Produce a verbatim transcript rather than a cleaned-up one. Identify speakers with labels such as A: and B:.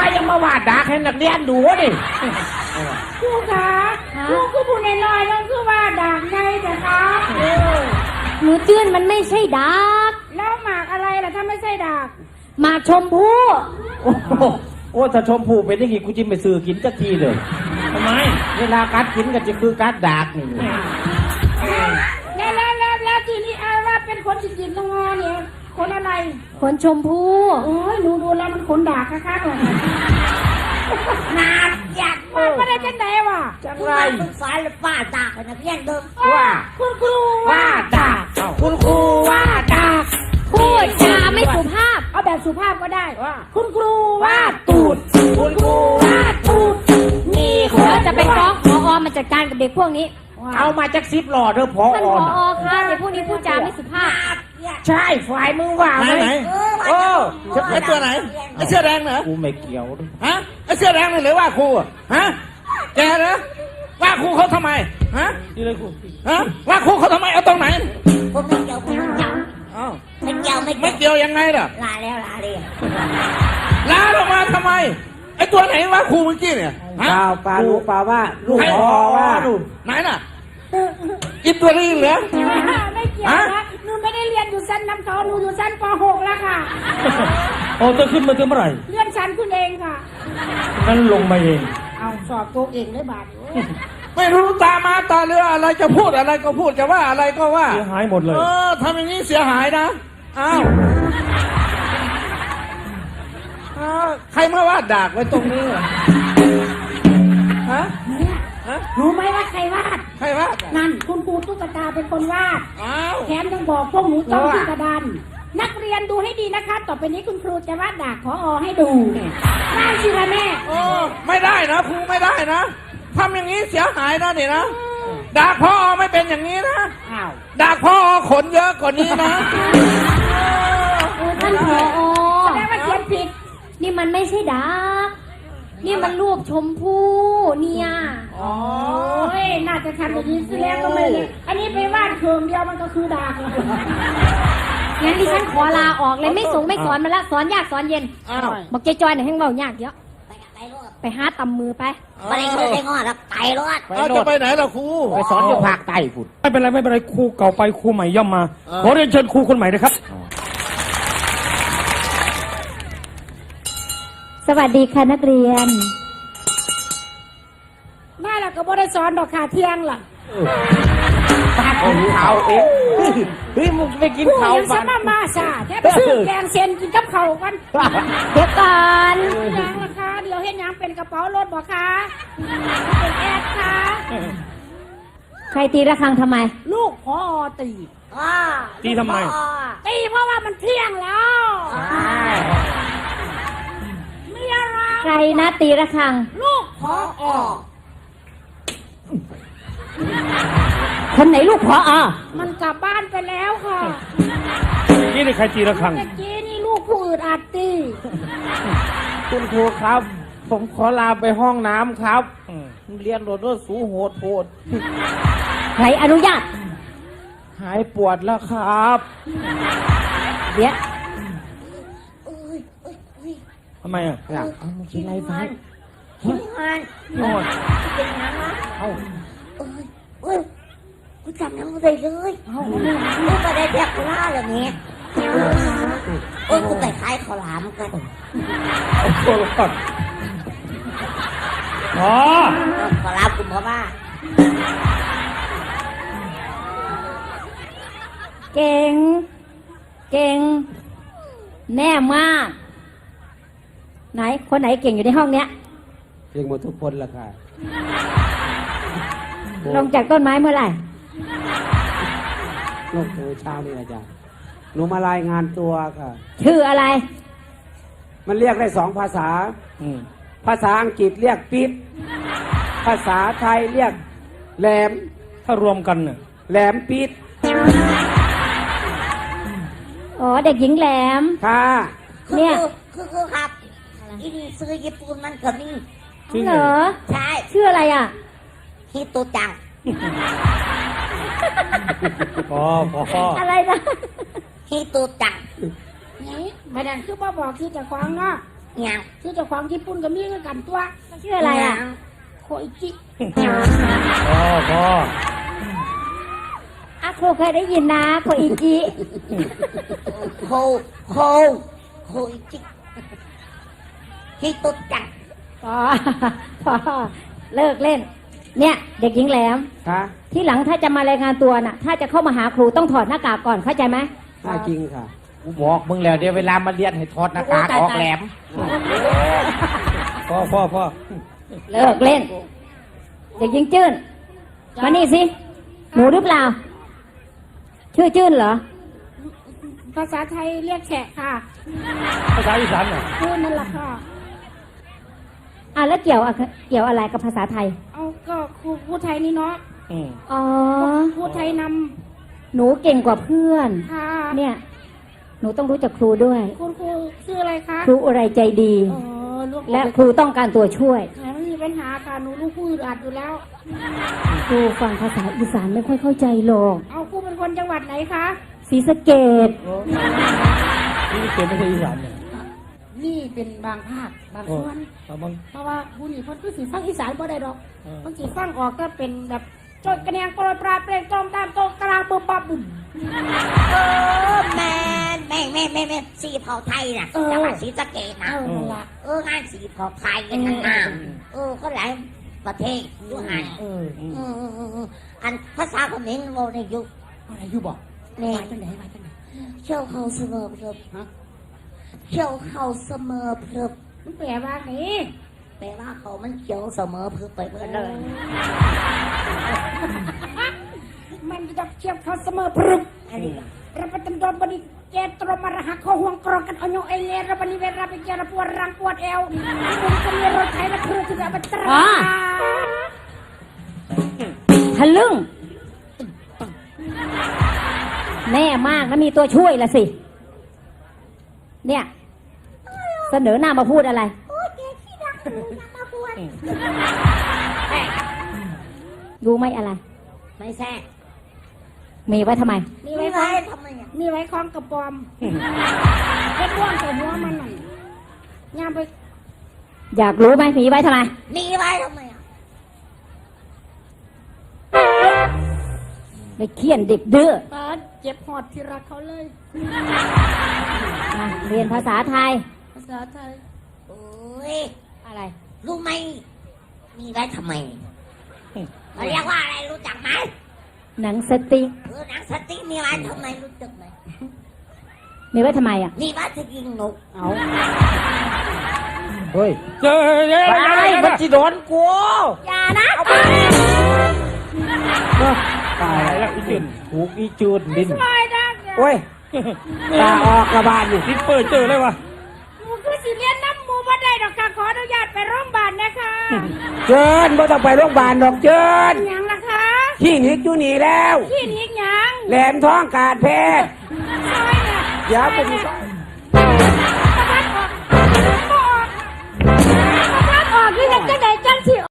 A: ยังมาวาดดากให้นักเรียนดูดิ
B: ครูคะครูคือผู้น้อยๆนั่นคือว่าดากไงแต่คะ
C: หนูจื้นมันไม่ใช่ดาก
B: แล้วหมากอะไรล่ะถ้าไม่ใช่ดาก
C: หมากชมพู่
A: โอ้ถ้าชมพู่เป็นอย่างงี้กูจิ้มไปซื้อกินจักทีเลยทำไมเวลากัดกินก็จะคือกัดดากนี่
B: แล้วแล้วแล้วแล้วทีนี้อาว่าเป็นคนจิตจิตงอเนี่ยคนอะไร
C: คนชมพู่
B: โอ้ยหนูดูแล้วมันคนด่าค่ะๆเลยนาดอยากมาไม่ได้จังไหนวะ
A: จังไร
B: ศึกษาและป้าด่าคนนักเรียนเดิม
A: ว่า
B: คุณครูว่า
A: ด่าคุณครูว่าด่า
C: พูดจาไม่สุภาพ
B: เอาแบบสุภาพก็ได้คุณครูว่าตูดคุณครูว่าตูด
C: นี่ขอจะไปฟ้องผอ.มาจัดการกับเด็กพวกนี้
A: เอามาจากซิปหล่อเธอผอ.
C: ท่านผอ.คะเด็กพวกนี้พูดจาไม่สุภาพ
A: ใช่ฝ่ายมึงว่า
D: ไหนไหนโอ้ไอ้ตัวไหนไอ้เสื้อแดงเหรอ
A: กูไม่เกี่ยว
D: ฮะไอ้เสื้อแดงหรือว่าครูฮะแกเหรอว่าครูเขาทำไมฮะ
A: นี่เลยครู
D: ฮะว่าครูเขาทำไมเอาตรงไหน
B: ผมไม่เกี่ยวผมไม่เกี่ยวไม่เกี่ยว
D: ไม่เกี่ยวยังไงล่ะ
B: ลาแล้วลาเลย
D: ลาลงมาทำไมไอ้ตัวไหนว่าครูเมื่อกี้เนี่ย
A: เปล่าเปล่าลูกเปล่าว่าลูกพอว่า
D: ไหนน่ะอินตัวนี้เหรอ
B: ไม่เกี่ยวนะหนูไม่ได้เรียนอยู่ชั้นน้ำเขาหนูอยู่ชั้นป .หก แล้วค่ะ
A: โอ้จะขึ้นมาถึงเมื่อไหร่
B: เลื่อนชั้นคุณเองค่ะ
A: งั้นลงมาเอง
B: เอาสอบตัวเองได้บาท
D: ไม่รู้ตามาตาเรืออะไรจะพูดอะไรก็พูดจะว่าอะไรก็ว่า
A: เสียหายหมดเลย
D: เออทำอย่างนี้เสียหายนะอ้าวใครมาวาดดากไว้ตรงนี้ฮะ
B: รู้ไหมว่าใครวาด
D: ใครวาด
B: นั่นคุณครูตุ๊กตาเป็นคนวาดแถมยังบอกพวกหนูจ้องที่กระดานนักเรียนดูให้ดีนะคะต่อไปนี้คุณครูจะวาดดากผอ.ให้ดูได้สิคะแม่
D: โอ้ไม่ได้นะครูไม่ได้นะทำอย่างนี้เสียหายนะนี่นะดากผอ.ไม่เป็นอย่างนี้นะดากผอ.ขนเยอะกว่านี้นะ
C: ท่านผอ.
B: แสดงว่าเขียนผิด
C: นี่มันไม่ใช่ดากนี่มันรูปชมพู่เนี่ย
B: โอ้ยน่าจะทำอย่างนี้สิแล้วก็ไม่เลยอันนี้ไปวาดเคืองเดียวมันก็คือดากเลย
C: งั้นดิฉันขอลาออกเลยไม่ส่งไม่สอนมันละสอนยากสอนเย็นบอกใจจอยหน่อยให้เบายากเยอะไปหาตำมือไป
B: ไปเลยไปงอแล้วไปรถ
D: เราจะไปไหนล่ะครู
A: ไปสอนอยู่ภาคใต้ฝุ่น
E: ไม่เป็นไรไม่เป็นไรครูเก่าไปครูใหม่ย่อมมาขอเรียนเชิญครูคนใหม่นะครับ
C: สวัสดีค่ะนักเรียน
B: แม่เราก็บ่ได้สอนดอกขาเที่ยงล่ะ
A: ป้าของเขาเองเฮ้ยมึงไปกินเขา
B: บ้านมามาซาแค่ไปซื้อแกงเซนกินกับเขากัน
C: เดี๋ยวก่อน
B: ยังราคาเดี๋ยวเห็นยังเป็นกระเป๋ารถบ่คะเป็นแอดค่ะ
C: ใครตีระฆังทำไม
B: ลูกพอตี
E: ตีทำไม
B: ตีเพราะว่ามันเที่ยงแล้ว
C: ใครนะตีระฆัง
B: ลูกพออ
C: คนไหนลูกพออ
B: มันกลับบ้านไปแล้วค่ะ
E: นี่นี่ใครตีระฆัง
B: เมื่อกี้นี่ลูกผู้อื่นอาจตี
A: คุณครูครับผมขอลาไปห้องน้ำครับเรียนโดดด้วยสูโหดโหด
C: ใครอนุญาต
A: หายปวดแล้วครับ
C: เดี๋ยว
E: ทำไมอ่ะ
A: อยากเอามากินอะไรไป
B: กินงาน
E: นอน
B: เป็นงานนะเอาเอ้ยเอ้ยกูจำน้ำไม่ได้เลยเอาลูกไปได้แบกกูล่าเลยเนี่ยเอ้ยกูไปขายข้าวหลามกัน
E: เอาตัวก่อนอ๋อ
B: ข้าวหลามกูบอกว่า
C: เก่งเก่งแน่มากไหนคนไหนเก่งอยู่ในห้องเนี้ย
A: เก่งหมดทุกคนละค่ะ
C: ลงจากต้นไม้เมื่อไหร่
A: ลงตัวเช้านี่อาจารย์หนูมารายงานตัวค่ะ
C: ชื่ออะไร
A: มันเรียกได้สองภาษาภาษาอังกฤษเรียกปิดภาษาไทยเรียกแหลม
E: ถ้ารวมกันเนี่ย
A: แหลมปิด
C: อ๋อเด็กหญิงแหลม
A: ค่ะ
C: เนี่ย
B: คือคือครับอีนี่ซื้อญี่ปุ่นมันก็มี
C: เหรอ
B: ใช่
C: ชื่ออะไรอ่ะ
B: ฮิโตจัง
E: พอพอ
C: อะไรนะ
B: ฮิโตจังนี่ไม่ดันคือบ่บอกที่จะคว้างเนาะยัง
F: ชื่อเจ้าของญี่ปุ่นก็มีเหมือนกันตัว
C: มันชื่ออะไรอ่ะ
F: โคอิจิ
E: พ่อพ่อ
C: อาครูเคยได้ยินนะโคอิจิ
B: โคโคโคอิจิฮิโตจัง
C: พอพอเลิกเล่น เนี่ย เด็กหญิงแหลม
A: คะ
C: ที่หลังถ้าจะมารายงานตัวน่ะ ถ้าจะเข้ามาหาครูต้องถอดหน้ากากก่อนเข้าใจไหม
A: น่าจริงค่ะ
D: กูบอกมึงแล้วเดี๋ยวเวลามาเรียนให้ถอดหน้ากากออกแหลม
E: พ่อพ่อพ่อ
C: เลิกเล่น เด็กหญิงจื้นมานี่สิหนูหรือเปล่า ชื่อจื้นเหรอ
F: ภาษาไทยเรียกแฉะค่ะ
E: ภาษาอีสานเหรอ
F: พูดนั่นแหละค่ะ
C: อ่ะแล้วเกี่ยวอะเกี่ยวอะไรกับภาษาไทย
F: เอาก็ครูพูดไทยนี่เนาะ
E: อืม
C: อ๋อ
F: พูดไทยน
C: หนูเก่งกว่าเพื่อน
F: ำค่ะ
C: เนี่ย หนูต้องรู้จักครูด้วย
F: คุณครูชื่ออะไรคะ
C: ครูอะไรใจดี
F: อ๋อลูก
C: และครูต้องการตัวช่วย
F: ค่ะไม่มีปัญหาค่ะหนูลูกพูดอัดอยู่แล้ว
C: ครูฟังภาษาอีสานไม่ค่อยเข้าใจหรอก
F: เอาครูเป็นคนจังหวัดไหนคะ
C: ศรีสะเกด
E: นี่เกมไม่ใช่อีสานเนี่ย
F: นี่เป็นบางภาคบางส่วน
E: เอาบาง
F: เพราะว่าผู้นี่เพิ่นคือสิฟังอีสานบ่ได้ดอก
E: เออ
F: มันสิฟังออกก็เป็นแบบโจดกระเนียงโปรยปลาเปลงตรงตามโตกลางบุบบับบุ่ม
B: เออแม่แม่แม่แม่แม่สีเผาไทยน่ะจังหวัดศรีสะเกษ
F: เอ
B: นะ
F: อนั่นละ
B: เอองานสีเผาไทยกันทั้งน้ำเออก็หลายประเทศอยู่หัน
F: เออ
B: อืมอืมอืมอืมอันภาษาเขมรโมในยุค
F: อะไรอยู่บอก
B: นี่
F: มาจังไหนมาจังไหน
B: เชี่ยวเขาเสมอเพลิบ
F: ฮะ
B: เชี่ยวเขาเสมอเพลิบ
F: มันแปลว่าไง
B: แปลว่าเขามันเขียวเสมอเพลิบไปเมื่อเลย
F: มันจะเทียบเขาเสมอพรึบ
B: อันนี้
F: รับประทานดอนบดีเจตรมาระหักข้อห่วงกรองกันเอาโยเอเนรับนิเวศรับเจรปวดรังปวดเอวมันจะมีรถไถและครูที่แบบตรา
C: อ๋อ ทะลึ่งแน่มากนะมีตัวช่วยละสิ เนี่ย เสนอหน้ามาพูดอะไร
B: โอ้ยแกขี้รักหนูยังมาบวช
C: รู้ไหมอะไร
B: ไม่แซ่
C: มีไว้ทำไม
F: มี
B: ไม่
F: ไว้ค
B: ไร
F: ล้อง
B: ทำไมอ่ะ
F: มีไว้คล้องกระปอมเล็ดว่างใส่หัวมันหน่อยย่างไป
C: อยากรู้ไหมมีไว้ทำไม
B: มีไว้ทำไมอ่ะ
C: ไปเคี่ยนเด็กดื้อ
F: ตาเจ็บหอดที่รักเขาเลย
C: อ่ะเรียนภาษาไทย
F: ภาษาไทย
B: โอ้ย
C: อะไร
B: รู้ไหมมีไว้ทำไมเขาเรียกว่าอะไรรู้จักไหม
C: หนังสติ๊ก
B: เออหนังสติ๊กมีไว้ทำไมรู้จักไหม
C: มีไว้ทำไมอ่ะ
B: มีไว้จะยิงนก
A: เอาเฮ้ย
E: เจอเดี๋ยว
A: ไป
E: เดี๋ยวเดี๋ยว
A: มันจะโดนกู
C: อย่านะ
A: ตาย
E: แล้
A: แล้ว ว
E: อีจืน
A: ถูกอีจูดบิน
F: ไม่ได้เนี่ย
A: โอ้ยตาออกกระบาลอยู่
E: ทิปเปอร์เจอเลยวะ
F: หมูคือสิเลียนน้ำหมูมาได้ดอกค่ะขออนุญาตไปโรงพยาบาลนะคะ
A: เจิญไม่ต้องไปโรงพยาบาลดอกเจิญ
F: หยังล่ะคะ
A: ที่นิกอยู่นี่แล้ว
F: ที่นี้หยัง
A: แหลมท้องการแพทย์
F: ซอยเนี่ย
A: เดี๋ยวผม
F: ประทัดออกประทัดออกประทัดออกคือจังไดจังสิ